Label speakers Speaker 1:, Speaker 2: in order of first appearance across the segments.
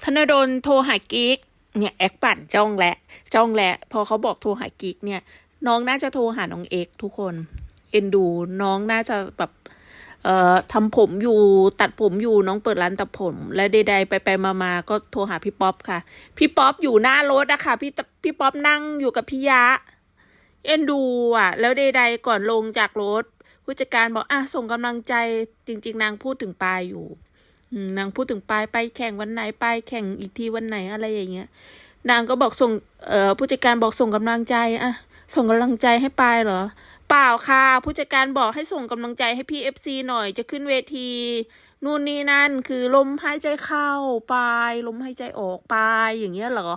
Speaker 1: ธนดลโทรหากิ๊กเนี่ยแอกปั่นจ้องแหละพอเขาบอกโทรหากิ๊กเนี่ยน้องน่าจะโทรหาน้องเอกทุกคนเอ็นดูน้องน่าจะแบบทำผมอยู่ตัดผมอยู่น้องเปิดร้านตัดผมและใดๆไปมาก็โทรหาพี่ป๊อปค่ะพี่ป๊อปอยู่หน้ารถอะค่ะพี่ป๊อปนั่งอยู่กับพี่ยะเอ็นดูอะแล้วใดๆก่อนลงจากรถผู้จัดการบอกส่งกำลังใจจริงๆนางพูดถึงปายอยู่นางพูดถึงไปแข่งวันไหนไปแข่งอีกทีวันไหนอะไรอย่างเงี้ยนางก็บอกส่งผู้จัดการบอกส่งกำลังใจส่งกำลังใจให้ปายเหรอเปล่าค่ะผู้จัดการบอกให้ส่งกำลังใจให้พี่FCหน่อยจะขึ้นเวทีนู่นนี่นั่นคือลมหายใจเข้าปายลมหายใจออกปายอย่างเงี้ยเหรอ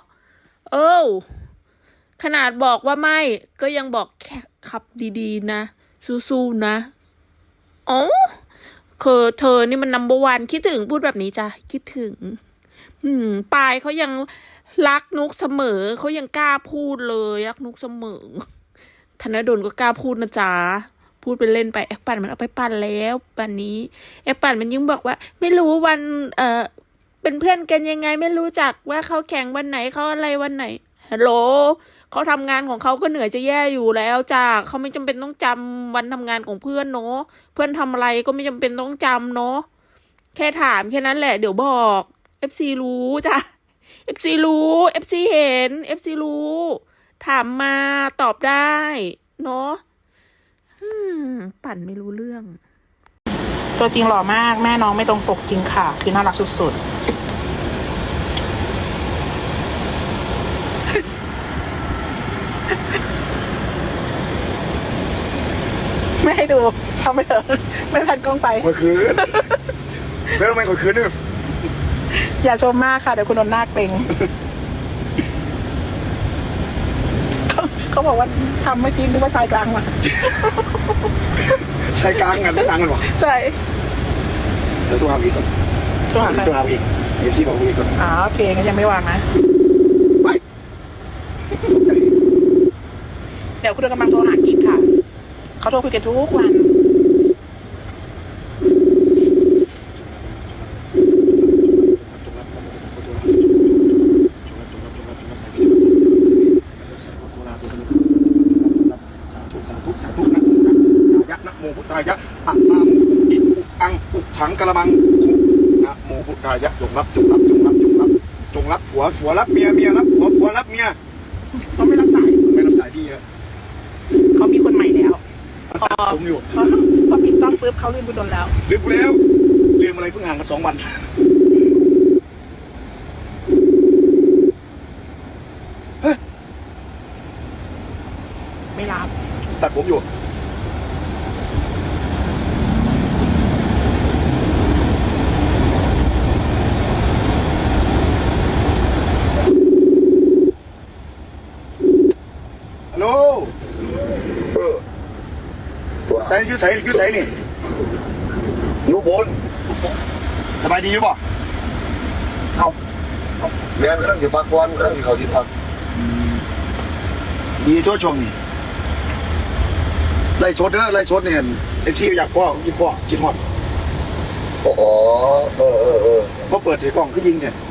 Speaker 1: ขนาดบอกว่าไม่ก็ยังบอกแค่ขับดีๆนะสู้ๆนะอ๋อเธอนี่มันนัมเบอร์วันคิดถึงพูดแบบนี้จ้ะคิดถึงปายเขายังรักนุกเสมอเขายังกล้าพูดเลยรักนุกเสมอธนดลก็กล้าพูดนะจ๊ะพูดไปเล่นไปแอคปั่นมันเอาไปปั่นแล้วปั่นนี้แอคปั่นมันยิ่งบอกว่าไม่รู้วันเป็นเพื่อนกันยังไงไม่รู้จักว่าเขาแข่งวันไหนเขาอะไรวันไหนฮัลโหลเขาทำงานของเขาก็เหนื่อยจะแย่อยู่แล้วจ้าเขาไม่จำเป็นต้องจำวันทำงานของเพื่อนเนาะเพื่อนทำอะไรก็ไม่จำเป็นต้องจำเนาะแค่ถามแค่นั้นแหละเดี๋ยวบอก FC รู้จ้ะ FC รู้ FC เห็น FC รู้ถามมาตอบได้เนาะปั่นไม่รู้เรื่องตัวจริงหล่อมากแม่น้องไม่ตรงปกจริงค่ะคือน่ารักสุดๆไม่ให้ดูทำไปเถอะไม่แผ่นกล้องไป
Speaker 2: คอยคืนแล้วทำไมคอยคืนเนี่ย
Speaker 1: อย่าชมมากค่ะเดี๋ยวคุณโดนหน้าเกรงเขาบอกว่าทำไม่จริงนึกว่าชายกลางมา
Speaker 2: ชายกลางกันไม่ต่างกันหรอ
Speaker 1: ใช่
Speaker 2: แล้วตัวหาอีกก่อนตัวหาอีกไอ้ที่บอกอีกก่อน
Speaker 1: โอเคงั้นยังไม่วางนะ
Speaker 2: ไป
Speaker 1: เดี๋ยวคุณโดนกำลังโทรหากิ๊กค่ะเขาโทรคุยกันทุกวัน
Speaker 2: พุทธายะอะนามุอิอุอังอุถังกะละมังคุนะโมพุทธายะจงรับผัวรับเมียรับผัวรับเมีย
Speaker 1: เขาไม่รับสาย
Speaker 2: พี่ฮะ
Speaker 1: เขามีคนใหม่แล้ว
Speaker 2: ผมอยู่
Speaker 1: พอปิดกล้องปุ๊บเขาลืมคุณโดนแล้ว
Speaker 2: ลืมอะไรเพิ่งห่างกัน2 วัน
Speaker 1: ไม่รับ
Speaker 2: ตัดผมอยู่ใส่ยืดใส่นี่
Speaker 3: อยู่บน
Speaker 2: สบายดีหรือเปล่า
Speaker 3: แม่ก็ต้องสิพักก่อนต้องสิเขาที่พัก
Speaker 2: ดีตัวชงนี่ไล่ชดเนี่ยไอ้ที่อยากพ่อกินหอด
Speaker 3: อ๋อ
Speaker 2: พอเปิดถือกล้องก็ยิงเนี่ย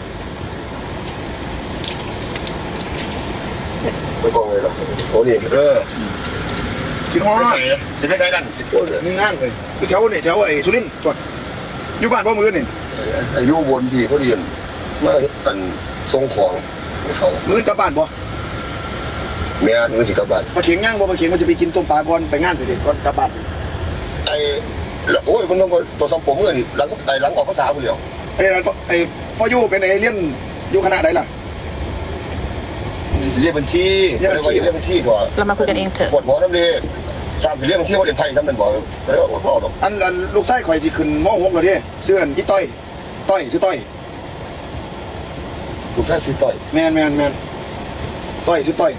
Speaker 3: ไม่บอกเลยหรอโอ้นี่
Speaker 2: กินหอด
Speaker 3: สิไม่ใช่กัน
Speaker 2: นี่ง่ายเลยคือแถวไอ้สุรินทร์ตัวอยู่บ้านพ่อมือนี่
Speaker 3: อายุวนดีเขาเรียนมาตันทรงของเขา
Speaker 2: มือกลับบ้านบ่
Speaker 3: แม่มือสิกลับบ้าน
Speaker 2: มาเขียงย่างบ่มาเขียงมันจะไปกินต้มปลาก่อนไปงานเสร็จก่อนกลับบ้าน
Speaker 3: โอ้ยมันต้องตัวสมผมเงินหลังออกภาษาคนเดียว
Speaker 2: ไอ้พ่อยูเป็นไอ้เลี้ยนอยู่คณะไหนล่ะ
Speaker 3: เรียกบัญชีเรียกบัญชีก่อน
Speaker 1: เรามาคุยกันเองเถอะ
Speaker 3: ปวดหัวน้ำดี3 เรียกบัญชีว่าเรียนไทยซ้ำเป็นบ่อยแล้วพ่อหรอก
Speaker 2: อันลูกไส้ข่อยที่ขึ้นม.6แล้วดิเสื้อที่ต้อยชื่อต้อย
Speaker 3: ลูกไส้ชื่อต้อย
Speaker 2: แมนต้อยชื่อต้อย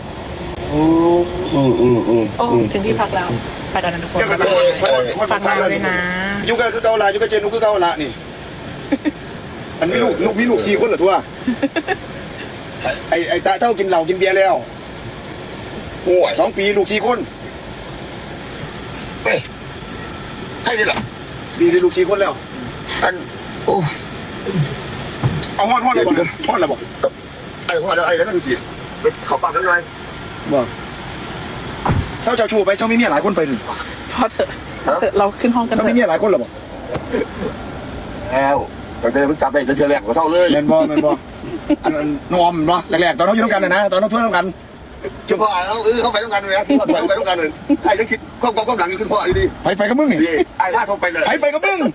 Speaker 1: ถึงที่พักแล้วไปกันนะทุกคนฟังเราเลยนะ
Speaker 2: อยู่กับคือเกาลาอยู่กับเจนุคือเกาละนี่อันนี้ลูกมีลูก4 คนเหรอทัวไอ้ตาเท่ากินเหล้ากินเบียร์แล้ว
Speaker 3: โอ้ย
Speaker 2: 2 ปีลูก4 คน
Speaker 3: ให้ดีหรอ
Speaker 2: ดีลูก4 คนแล้ว
Speaker 3: อันโอ้
Speaker 2: เอาฮอดอะไรบอกฮอดอะไรบอก
Speaker 3: ไอ้หัวไอ้นั่นสิเขาปากกันหน่อย
Speaker 2: บอกเจ้าชูไปเจ้ามีเมียหลายคนไปถึง
Speaker 1: พอเถอะเราขึ้นห้องกัน
Speaker 2: เจ้า
Speaker 1: เถ
Speaker 2: มีเมีย
Speaker 1: อะ
Speaker 2: หลายคนหรอบอก
Speaker 3: แล้วตั้งแต่มันจับได้จะเจอแรกก็เท่าเลย
Speaker 2: แมนบออันนอมเนาะแรกๆตอนเราอยู่ด้วยกันนะตอนเราทั่วด้วยกัน
Speaker 3: จุ๊บพ่อแล้วเขาไปต้องกันเลยเขาไปต้องกันเลยไอ้ยังคิดก็หลังขึ้นพ่ออยู่ดี
Speaker 2: ไปกับมึงนี่
Speaker 3: ไอ้ท่าเขาไปเลย
Speaker 2: ไปกับมึง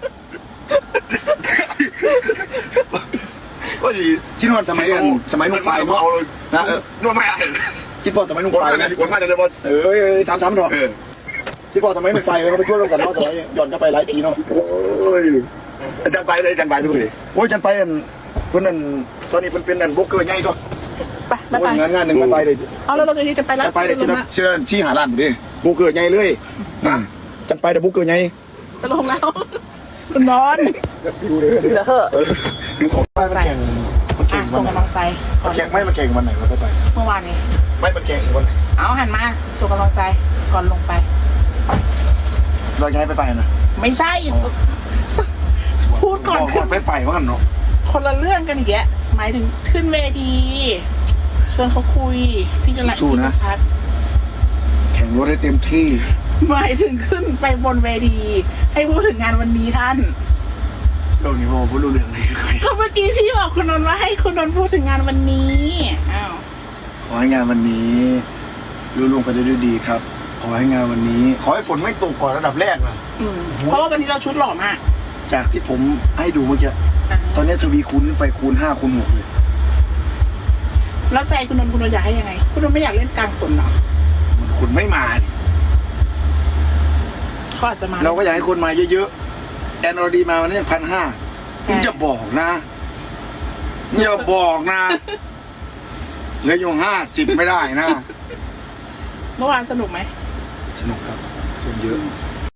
Speaker 3: ก็ดี
Speaker 2: คิดว่าสมัยนุ่งปลายเนาะนะ
Speaker 3: นวดไม่ได้
Speaker 2: คิดว่าสมัยนุ่ง
Speaker 3: กด
Speaker 2: ปลาย
Speaker 3: ไม่
Speaker 2: นะ
Speaker 3: ได้กดไม่ได้เลยบอล
Speaker 2: ทำเถอะคิดว่าสมัยนุ่งปลายเขาไปทั่วด้วยกันเนาะสมัยย้อนกลับไปหลายปีเนาะ
Speaker 3: โอ้ยอาจารย์ไปเลยอาจารย์ไปทุกที
Speaker 2: โอ้ยจันไปเพื่อนนั่นตอนนี้เป็นนั่นโบกเกอร์ใหญ่ก็
Speaker 1: ไป
Speaker 2: งานหนึ่งไปเลย
Speaker 1: เอาแล้วเราจะไปแล้ว
Speaker 2: จันไปเลยเชื่อชี้หาร้านดิโบกเกอร์ใหญ่เลยจันไปแต่โบกเกอร์ใหญ่
Speaker 1: ไปลงแล้วคุณนอนเหลือเหอะ
Speaker 2: ดูของไปมันแข่งมันแข่งวั
Speaker 1: ส่
Speaker 2: น
Speaker 1: ง
Speaker 2: ไหน
Speaker 1: กำลังใจ
Speaker 2: มันแข่งไม่มันแข่งวันไหนวะไป
Speaker 1: เมื่อวานนี้
Speaker 2: ไม่มันแข่งอีกวันไหน
Speaker 1: เอาหันมาส่งกำลังใจก่อนลงไป
Speaker 2: เราย้ายไปนะ
Speaker 1: ไม่ใช่พูดก่อนขึ้น
Speaker 2: ไปว่ากันเนาะ
Speaker 1: คนละเรื่องกันอีกแยะหมายถึงขึ้นเวทีชวนเขาคุยพี่จะชัด
Speaker 2: แข่งรถให้เต็มที่
Speaker 1: หมายถึงขึ้นไปบนเวทีให้พูดถึงงานวันนี้ท่าน
Speaker 2: เรื่องนี้ผมไม่รู้เรื่องเลย
Speaker 1: ก็เมื่อกี้พี่บอกคุณนนท์ว่าให้คุณนนท์พูดถึงงานวันนี้อ้าว
Speaker 2: ขอให้งานวันนี้รู้ล่วงไปได้ด้วยดีครับ ขอให้งานวันนี้ ขอให้ฝนไม่ตกก่อนระดับแรกนะ
Speaker 1: เพราะว่าวันนี้เราชุดหล่อมาก
Speaker 2: จากที่ผมให้ดูเมื่อกี้ตอนนี้ทวีคูณขึ้นไปคูณ5คูณ6เลย
Speaker 1: แล้วใจคุณนนท์อยากให้ยังไง คุณนนท์ไม่อยากเล่นกลางฝนเหรอ
Speaker 2: มันคนไม่มาดิ
Speaker 1: เขาอาจจะมา
Speaker 2: เราก็อยากให้คนมาเยอะๆแอนอรดีมาวันนี้ยัง1,500มึงจะบอกนะอย่าบอกนะเหลืออยู่50ไม่ได้นะ
Speaker 1: เมื่อวานสนุกไหม
Speaker 2: สนุกครับคนเยอะ